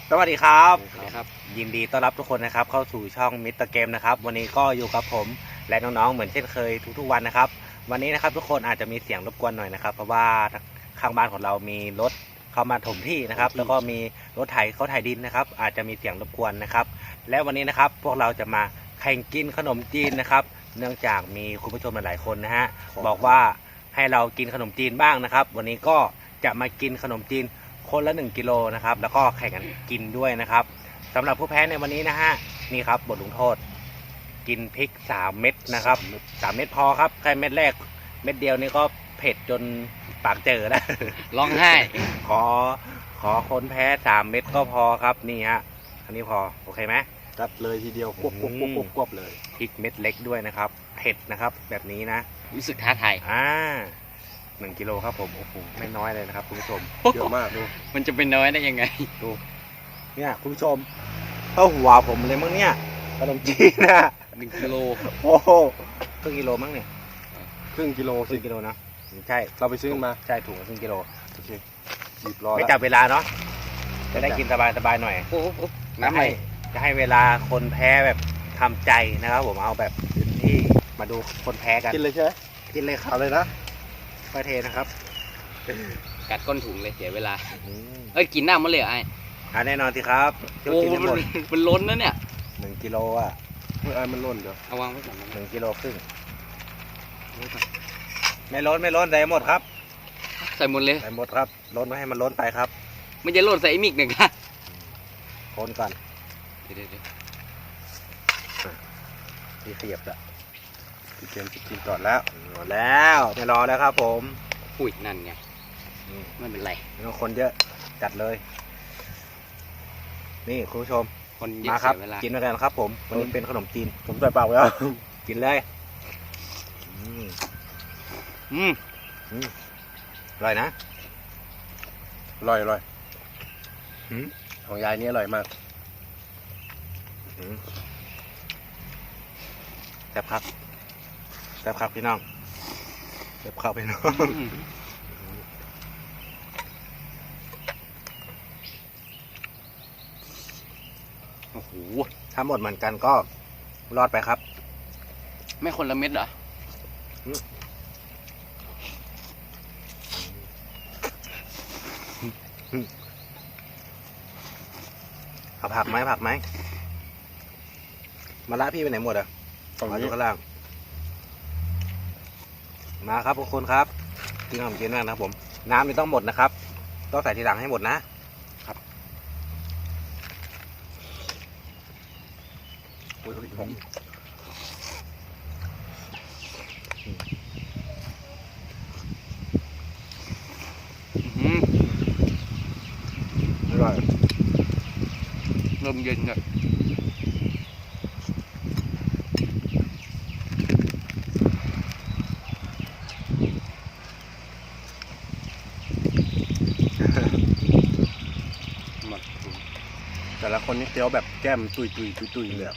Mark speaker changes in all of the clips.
Speaker 1: สวัสดีครับ
Speaker 2: ครับ
Speaker 1: ยินดีต้อนรับทุกคนนะครับเข้าสู่ช่องมิสเตอร์เกมนะครับวันนี้ก็อยู่กับผมและน้องๆเหมือนเช่นเคยทุกๆวันนะครับวันนี้นะครับทุกคนอาจจะมีเสียงรบกวนหน่อยนะครับเพราะว่าข้างบ้านของเรามีรถเข้ามาถมที่นะครับแล้วก็มีรถไถเขาไถดินนะครับอาจจะมีเสียงรบกวนนะครับและวันนี้นะครับพวกเราจะมาแข่งกินขนมจีนนะครับเนื่องจากมีคุณผู้ชมหลายๆคนนะฮะบอกว่าให้เรากินขนมจีนบ้างนะครับวันนี้ก็จะมากินขนมจีนคนละ1 กิโลนะครับแล้วก็แข่งกันกินด้วยนะครับสำหรับผู้แพ้ในวันนี้นะฮะนี่ครับบทลงโทษกินพริก3 เม็ดนะครับ3 เม็ดพอครับแค่เม็ดแรกเม็ดเดียวนี่ก็เผ็ดจนปากเจอแล้ว
Speaker 2: ร้องไห้
Speaker 1: ขอคนแพ้3 เม็ดก็พอครับนี่ฮะอันนี้พอโอเคไหม
Speaker 3: จัดเลยทีเดียวควบเลย
Speaker 1: พริกเม็ดเล็กด้วยนะครับเผ็ดนะครับแบบนี้นะ
Speaker 2: รู้สึกท้าทาย
Speaker 1: 1 กิโลครับผมโอ้โหไม่น้อยเลยนะครับคุณผู้ชม
Speaker 3: เยอะมากดู
Speaker 2: มันจะเป็นน้อยได้ยังไง
Speaker 1: ดูเนี่ยคุณผู้ชมเท่าหัวผมเลยมั้งเนี่ยขนมจีนนะ
Speaker 2: 1 กิโล
Speaker 1: โอ้โหครึ่งกิโลมั้งเนี่ย
Speaker 3: ครึ่งกิโล
Speaker 1: ค
Speaker 3: สิ
Speaker 1: รึ่งกิโลนะใช่
Speaker 3: เราไปซื้อมา
Speaker 1: ใช่ถุงละครึ่งกิโล
Speaker 3: โอเคหยิบรอ
Speaker 1: ไม่
Speaker 3: แล้ว
Speaker 1: จับเวลาเนาะจะได้กินสบายๆหน่อย
Speaker 2: โอ้โห
Speaker 1: จะ
Speaker 2: น้ำไหล
Speaker 1: ให้เวลาคนแพ้แบบทำใจนะครับผมเอาแบบเต็มที่มาดูคนแพ้กัน
Speaker 3: กินเลยใช่ไหม
Speaker 1: กินเลยครับ
Speaker 3: เอาเลยนะ
Speaker 1: ค่อยเทนะครับ
Speaker 2: กัดก้นถุงเลยเสียเวลา
Speaker 1: อืม
Speaker 2: เอ้ยกินหน้ามันเลยเหรอไอ้
Speaker 1: แน่นอนสิครับเที่ยว
Speaker 2: โอ้
Speaker 1: กิน
Speaker 2: โห
Speaker 1: ให้หมด
Speaker 2: มันล้นนะเนี่ย
Speaker 1: 1 กิโลอ่ะ
Speaker 3: เมื่อไอ้มันล่นเดี๋ยว
Speaker 2: เอาวางไว้ก่อนนะ
Speaker 1: 1 กิโลครึ่งไม่ล้นใส่หมดครับ
Speaker 2: ใส่หมดเลย
Speaker 1: ใส่หมดครับล้นไว้ให้มันล้นไปครับ
Speaker 2: มันจะโหลดใส่ไอ้มิกหนึ่งค่ะ
Speaker 1: คนก่อน
Speaker 2: เดี๋ยว
Speaker 1: ที่เสียบละ
Speaker 3: พี่เกมจะกินก่อนแล้ว
Speaker 1: หมดแล้วไม่รอแล้วครับผม
Speaker 2: อุ้ยนั่นไง
Speaker 1: อืม
Speaker 2: ไม่เป็นไร
Speaker 1: ไม่ต้องคนเยอะจัดเลย นี่คุณผู้ชม
Speaker 2: คนเยอะ
Speaker 1: มาครับ
Speaker 2: เสียเวลา
Speaker 1: กินด้วยกันครับผมวันนี้เป็นขนมจีน
Speaker 3: ผมใส่ปากแล้ว
Speaker 1: กินเลยอืม
Speaker 2: อืม
Speaker 1: อร่อยนะ
Speaker 3: อร่อยอร่อย
Speaker 1: อืม
Speaker 3: ของยายนี่อร่อยมาก
Speaker 1: อืมแซ่บครับแซ่บครับพี่น้องแซ่บครับพี่น้อง
Speaker 2: อืมโอ้โห
Speaker 1: ถ้าหมดเหมือนกันก็รอดไปครับ
Speaker 2: ไม่คนละเม็ดเหรอ
Speaker 1: เอาผักไหมมาละพี่ไปไหนหมดอ่ะ
Speaker 3: ตรง
Speaker 1: มาอ
Speaker 3: นี้
Speaker 1: ยู่ข้างล่างมาครับทุกคนครับกินขนมจีนมากนะครับผมน้ำนี่ต้องหมดนะครับต้องใส่ทีหลังให้หมดนะ
Speaker 3: อุ้ยหอม
Speaker 2: อืม
Speaker 1: อร่อย
Speaker 2: เริ่มเย็นเลย หมดถุง
Speaker 3: แต่ละคนนี่เคี้ยวแบบแก้มตุยเลยอะ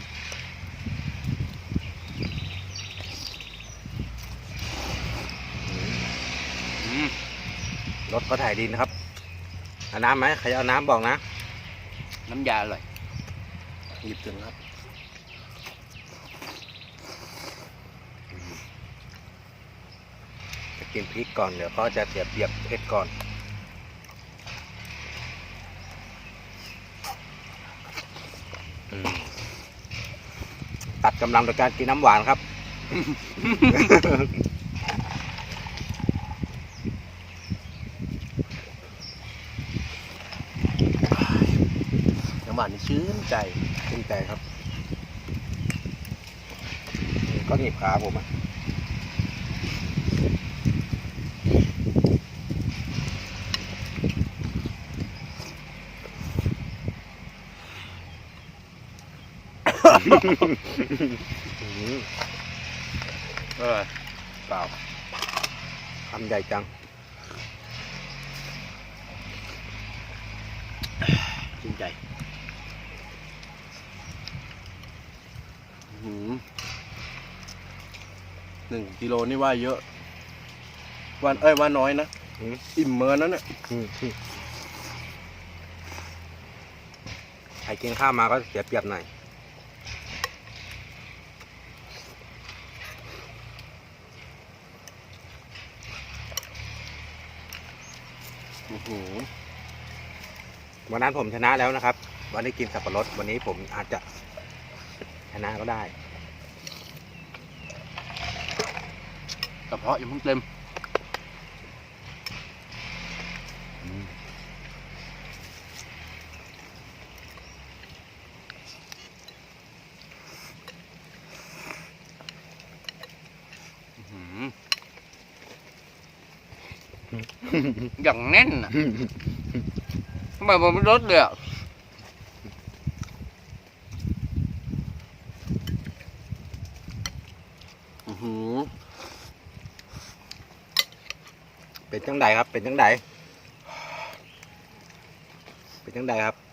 Speaker 2: อืม
Speaker 1: รถเขาถ่ายดินนะครับเอาน้ำไหมใครจะเอาน้ำบอกนะ
Speaker 2: น้ำยาอร่อย
Speaker 3: หยิบถึงครับ
Speaker 1: จะกินพริกก่อนเดี๋ยวก็จะเสียบเบียบเผ็ดก่อนอืมตัดกำลังโดยการกินน้ำหวานครับ
Speaker 3: น้ำหวานนี่ชื่นใจ
Speaker 1: ชื่นใจครับก็หนีบขาผมอ่ะ
Speaker 3: เออเปล่า
Speaker 1: คำใหญ่จัง
Speaker 3: ชื่นใจ1 กิโลนี่ว่าเยอะว่าน้อยนะ
Speaker 1: อืม
Speaker 3: อิ่มเมินนั้นเนี่ย
Speaker 1: อืมกินข้าวมาก็เสียเปรียบหน่อย
Speaker 3: อื้อหือ
Speaker 1: วันนั้นผมชนะแล้วนะครับ วันนี้กินสับปะรดวันนี้ผมอาจจะชนะก็ได้
Speaker 2: กระเพาะยังเพิ่งเต็มอื้อหืออย่างแน่นอ่ะทำไมมันไม่ลดเลยอ่ะ
Speaker 3: อื้อหือ
Speaker 1: เป็นจังใดครับ เป็นจังใดเป็นจังใดครับ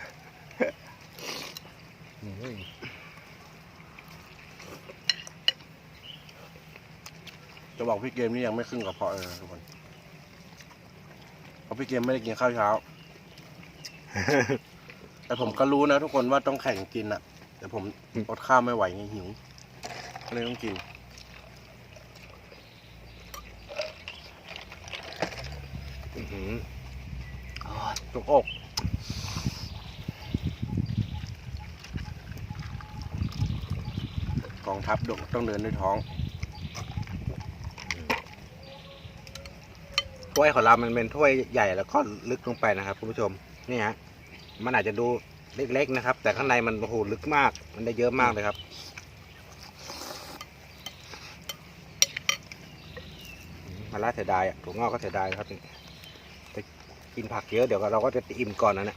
Speaker 3: จะบอกพี่เกมนี่ยังไม่ครึ่งกระเพาะเลยนะทุกคนเพราะพี่เกมไม่ได้กินข้าวเช้า แต่ผมก็รู้นะทุกคนว่าต้องแข่งกินอะแต่ผมอดข้าวไม่ไหวไงหิวก็เลยต้องกิน
Speaker 1: อื้อหือ
Speaker 3: จุกอกกองทัพต้องเดินด้วยท้อง
Speaker 1: ถ้วยของเรามันเป็นถ้วยใหญ่แล้วก็ลึกลงไปนะครับคุณผู้ชมนี่ฮะมันอาจจะดูเล็กๆนะครับ แต่ข้างในมันโอ้โหลึกมาก มันได้เยอะมากเลยครับมาล่าเสียดายอ่ะถั่วงอกก็เสียดายครับแต่กินผักเยอะเดี๋ยวเราก็จะอิ่มก่อนนะเนี่ย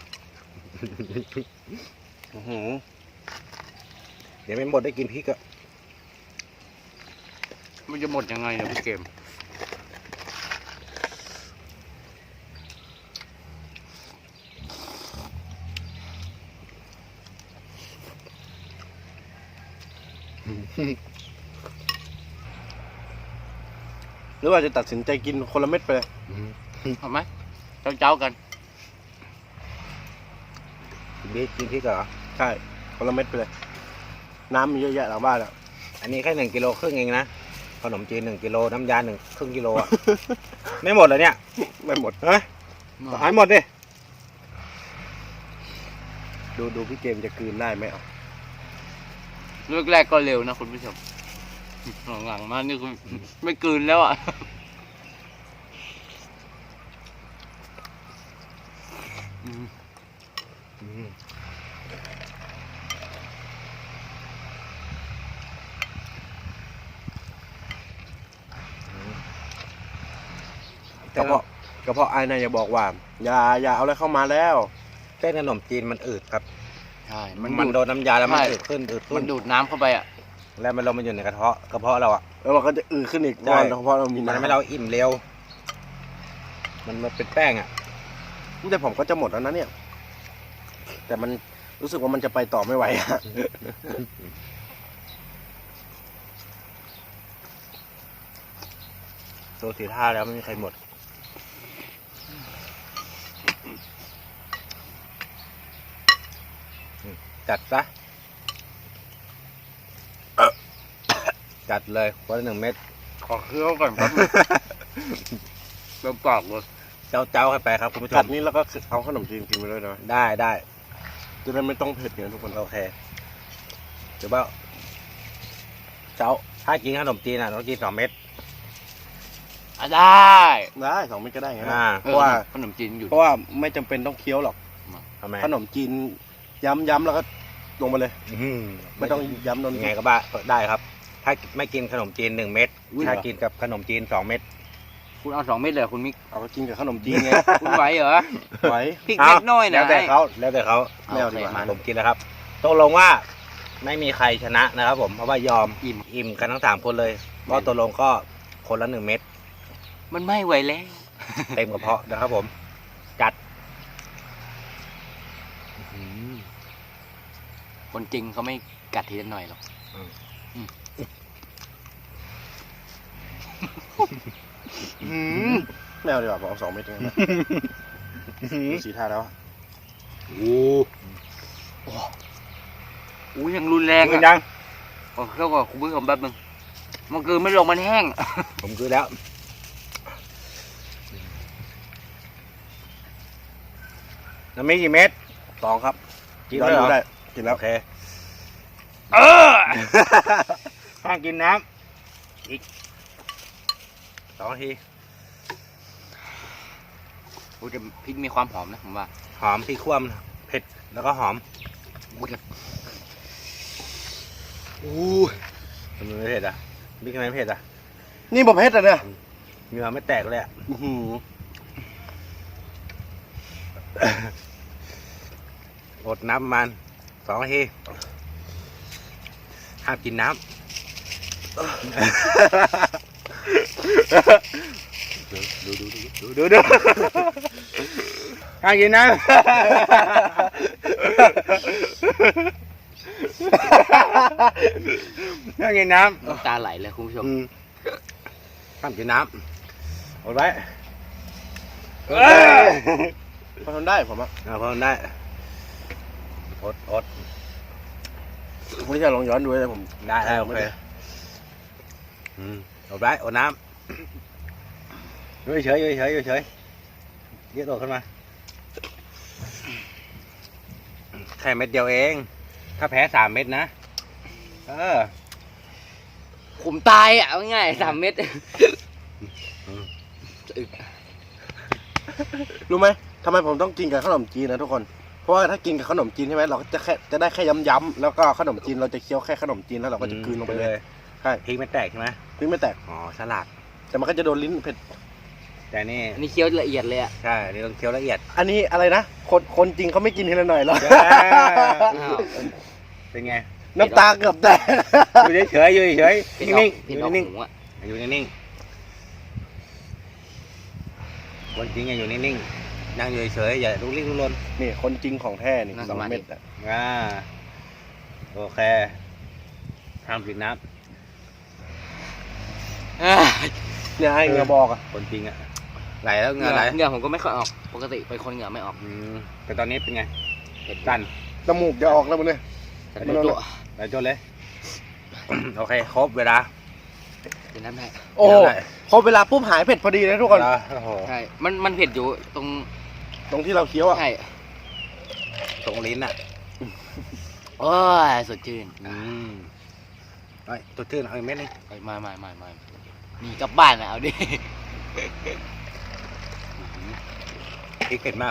Speaker 3: อื้อหือ
Speaker 1: เดี๋ยวไม่หมดได้กินพริกอะ
Speaker 2: มันจะหมดยังไงเนี่ยพี่เกม
Speaker 3: หรือว่าจะตัดสินใจกินคนละเม็ดไปเลย
Speaker 2: เอาไหมเจ้ากัน
Speaker 1: กินพริกเหรอ
Speaker 3: ใช่คนละเม็ดไปเลย น้ำมีเยอะแยะหลังบ้านอ่ะ
Speaker 1: อันนี้แค่1 กิโลครึ่งเองนะขนมจีน1 กิโลน้ำยาครึ่งกิโลอ่ะ ไม่หมดเลยเนี่ย
Speaker 3: ไม่หมด
Speaker 1: เฮ้ยขายหมดดิ
Speaker 3: ดูพี่เกมจะกลืนได้ไหมเอา
Speaker 2: เลือกแรกก็เร็วนะคุณผู้ชมหลังๆมานี่คือไม่กลืนแล้วอ่ะ
Speaker 3: กระเพาะไอ้นายอย่าบอกว่า อย่าเอาอะไรเข้ามาแล้ว
Speaker 1: เส้นขนมจีนมันอืดครับ
Speaker 2: ใช่
Speaker 1: มันโดนน้ำยาแล้วมัน
Speaker 2: ใช่
Speaker 1: อืดขึ้น
Speaker 2: มันดูดน้ำเข้าไปอ่ะ
Speaker 1: แล้วมันลงมาอยู่ในกระเพาะเราอ่ะ
Speaker 3: แล้วมันก็จะอืดขึ้นอีก
Speaker 1: ใช่
Speaker 3: เพราะเรามี
Speaker 1: มัน
Speaker 3: น้ำ
Speaker 1: ทำให้เราอิ่มเร็ว มันเป็นแป้งอ่ะ
Speaker 3: แต่ผมก็จะหมดแล้วนะเนี่ย แต่มันรู้สึกว่ามันจะไปต่อไม่ไหวอะ
Speaker 1: ตัวสีท่าแล้วไม่มีใครหมด จัดซะ จัดเลยคนละ1 เม็ด
Speaker 2: ขอเคี้ยวก่อนครับเติมปากเลย
Speaker 1: เจ้าให้ไปครับคุณผู้ช
Speaker 3: กั
Speaker 1: ม
Speaker 3: ดนี้แล้วก็เอาขนมจีนกินไปด้วยนะ
Speaker 1: ได้
Speaker 3: จะได้ไม่ต้องเผ็ดเนี่ยทุกคน
Speaker 1: โอเคเดี๋ยวว่าถ้ากินขนมจีนอ่ะต้องกิน2 เม็ด
Speaker 2: ได้
Speaker 3: ได้2 เม็ดก็ได้ไงนะ
Speaker 1: เพ
Speaker 3: เพราะว่า
Speaker 2: ขนมจีนอยู่
Speaker 3: เพราะว่าไม่จำเป็นต้องเคี้ยวหรอก
Speaker 1: ทำไม
Speaker 3: ขนมจีนย้ำแล้วก็ลงไปเลย ไม่ต้องย้ำนน
Speaker 1: ยังไงก็บ้าได้ครับ ถ้าไม่กินขนมจีน1 เม็ด
Speaker 2: อุ๊ย
Speaker 1: ถ้ากินกับขนมจีน2 เม็ด
Speaker 2: คุณเอา2 เม็ดเลยเหรอคุณมิก
Speaker 3: เอาก็กินกับขนมจีนไง
Speaker 2: คุณไหวเหรอ
Speaker 3: ไหว
Speaker 2: พริกเม็ดน้อย
Speaker 1: แล้
Speaker 2: นะ
Speaker 1: วแต่เขา
Speaker 3: ไม่เอาดีกว่า
Speaker 2: โค
Speaker 1: ผมกินแล้วครับตกลงว่าไม่มีใครชนะนะครับผมเพราะว่ายอมอิ่มกันทั้ง3 คนเลยก็ตกลงก็คนละ1 เม็ด
Speaker 2: มันไม่ไหวแล้ว
Speaker 1: เต็มกระเพาะนะครับผม จัด
Speaker 2: คนจริงเขาไม่กัดทีละหน่อยหรอก
Speaker 3: ไม่เอาดีกว่าผมเอา2 เม็ดเองนะดูสีท่าแล้วอะ
Speaker 1: โอ้
Speaker 2: อู้ยังรุนแรง
Speaker 1: กิน
Speaker 2: อ่ะ
Speaker 1: ยัง
Speaker 2: โอ้เข้ากับคุณผู้ชมแป๊บนึงมันคือไม่ลงมันแห้ง
Speaker 1: ผมคือแล้วน้ำมีกี่เม็ด
Speaker 3: 2 ครับ
Speaker 1: กิน
Speaker 3: ย้อน
Speaker 1: ได้เหร
Speaker 3: ดู
Speaker 1: อ
Speaker 3: ได้กินแล้ว
Speaker 1: โอเค ห้ามกินน้ำอีก2 นาที
Speaker 2: โอ้แต่พริกมีความหอมนะผมว่า
Speaker 1: หอมพริกคั่วมเผ็ดแล้วก็หอม
Speaker 2: โอ้แต่
Speaker 1: ทำไมไม่เผ็ดอ่ะพริกทำไมไม่เผ็ดอ่ะ
Speaker 3: นี่บะเพ็ดอ่ะเนี่ย
Speaker 1: เหงื่อไม่แตกเลยอ่ะ
Speaker 3: อื้อหือ
Speaker 1: อดน้ำประมาณ2 นาทีห้ามกินน้ำดูห้ามกินน้ำห้ามกินน้ำ
Speaker 2: น้ำตาไหลเลยคุณผู้ชม
Speaker 1: ห้ามกินน้ำอดไว้
Speaker 3: พอทนได้ผมอ่ะ
Speaker 1: พอได้อด
Speaker 3: คุณที่จะลองย้อนดูเลยผม
Speaker 1: ได้โอเคอดไว้อดน้ำอยู่เฉยเยอะตัวขึ้นมาแค่เม็ดเดียวเอง ถ้าแพ้3 เม็ดนะ
Speaker 2: ผมตายอ่ะเอาง่ายๆ3 เม็ด
Speaker 3: รู้ไหมทำไมผมต้องกินกับขนมจีนนะทุกคน เพราะว่าถ้ากินกับขนมจีนใช่ไหมเราก็จะได้แค่ย้ำๆแล้วก็ขนมจีนเราจะเคี้ยวแค่ขนมจีนแล้วเราก็จะกลืนลงไปเลยใช่
Speaker 1: พริกไม่แตกใช่ไหม
Speaker 3: พริกไม่แตก
Speaker 1: อ๋อฉลาด
Speaker 3: แต่มันก็จะโดนลิ้นเผ็ด
Speaker 1: แต่นี่
Speaker 2: อันนี้เคี้ยวละเอียดเลยอ่ะ
Speaker 1: ใช่ นี่ต้องเคี้ยวละเอียด
Speaker 3: อันนี้อะไรนะคนจริงเขาไม่กินทีละหน่อยหรอก
Speaker 2: อ้าว
Speaker 1: เป็นไง
Speaker 3: น้ำตาเกือบแตก
Speaker 1: อยู่เฉยๆ
Speaker 2: เผ็ด
Speaker 1: นิ่ง
Speaker 2: เผ็ด
Speaker 1: ๆ
Speaker 2: ออก
Speaker 1: นิ่ง
Speaker 2: หูอ่ะ
Speaker 1: ๆอยู่นิ่งๆคนจริงอยู่นิ่งๆนั่งอยู่เฉยๆอย่าลุกลี้ลุกลน
Speaker 3: นี่คนจริงของแท้นี่2 เม็ดอ่ะ
Speaker 1: โอเคห้ามกินน้
Speaker 3: เนี่ยไอ้เงาบอกอ่ะ
Speaker 1: ำคนจริงอะไหลแล้วเหงื่อไหล
Speaker 2: เหงื่อผมก็ไม่ค่อยออก ปกติเป็นคนเหงื่อไม่ออก
Speaker 1: แต่ตอนนี้เป็นไง
Speaker 2: เผ็ด
Speaker 1: สั่น
Speaker 3: จมูกจะออกแล้วมันเนี่ย
Speaker 2: แต่ตัวตัว
Speaker 1: ไหลจนเลย โอเคครบเวลา
Speaker 2: เป็นน้ำได้
Speaker 3: โอ้โห
Speaker 1: เดี๋ยวได้
Speaker 3: พอเวลาปุ๊บหายเผ็ดพอดีเลยทุกคน
Speaker 1: โอ้โห
Speaker 2: ใช่ มันเผ็ดอยู่ตรง
Speaker 3: ตรงที่เราเคี้ยวอ่ะ
Speaker 2: ใช่
Speaker 1: ตรงลิ้นอะ
Speaker 2: โอ้ยสดชื่น
Speaker 1: ไอ้ตัวชื่นเอาอีกเม็ดนึง
Speaker 2: เอ้ยไม่นี่กลับบ้านนะเอาดิ
Speaker 1: พริกเผ็ดมาก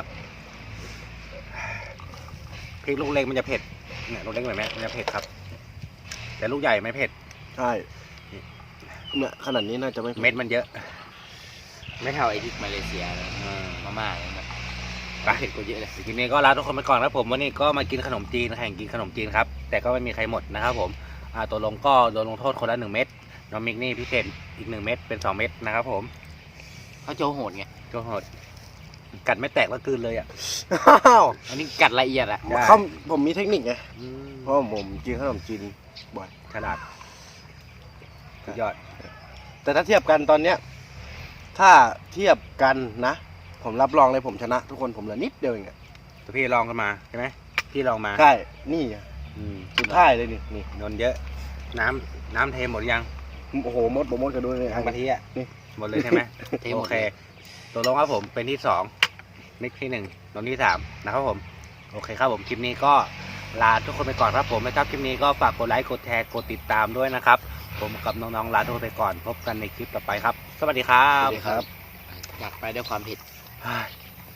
Speaker 1: พริกลูกเล็กมันจะเผ็ดเนี่ยลูกเล็กแบบนี้มันจะเผ็ดครับ แต่ลูกใหญ่ไม่เผ็ด
Speaker 3: ใช่เนี่ยขนาดนี้น่าจะไม่
Speaker 1: เม็ดมันเยอะ
Speaker 2: ไม่เท่าไอ้ที่มาเลเซียเลย มาม่าเลยนะ
Speaker 1: ไป
Speaker 2: เผ็ดกว่าเยอะเลย
Speaker 1: ทีนี้ก็ลาทุกคนไปก่อนครับผมวันนี้ก็มากินขนมจีนแข่งกินขนมจีนครับแต่ก็ไม่มีใครหมดนะครับผมตัวลงก็โดนลงโทษคนละ1 เม็ดน้องมิกนี่พิเศษอีก1 เม็ดเป็น2 เม็ดนะครับผม
Speaker 2: เขาโจโหดไง
Speaker 1: ก็โหดกัดไม่แตกแล้วกลืนเลยอ่ะ
Speaker 3: อ้าว
Speaker 2: อันนี้กัดละเอียดอะ
Speaker 1: ได้
Speaker 3: เขาผมมีเทคนิคไงเพราะผมกินขนมจีนบ่อย
Speaker 1: ฉลาดสุดยอด
Speaker 3: แต่ถ้าเทียบกันตอนเนี้ยถ้าเทียบกันนะ ผมรับรองเลยผมชนะ ทุกคนผมเหลือนิดเดียวเองอะ
Speaker 1: แต่พี่ลองกันมาใช่ไหมพี่ลองมา
Speaker 3: ใช่นี่อะ
Speaker 1: อืม
Speaker 3: สุดท้ายเลยนี่
Speaker 1: นนเยอะน้ำเทหมดยัง
Speaker 3: โอ้โหมดผมมดกันด้วยเลย
Speaker 1: ทั้งกะทิอ่ะ
Speaker 3: นี่
Speaker 1: หมดเลยใช่ไหม
Speaker 2: เทหม
Speaker 1: โอ
Speaker 2: ด
Speaker 1: เค
Speaker 2: เลย
Speaker 1: ตัวลงครับผมเป็นที่2นิกที่1นนที่3นะครับผมโอเคครับผมคลิปนี้ก็ลาทุกคนไปก่อนครับผมนะครับคลิปนี้ก็ฝากกดไลค์กดแชร์กดติดตามด้วยนะครับผมกับน้องๆลาทุกคนไปก่อนพบกันในคลิปต่อไปครับ สวัสดีครั
Speaker 2: ส
Speaker 1: บ
Speaker 2: วัสดีครับจากไปด้วยความเผ็ด
Speaker 1: เฮ้ย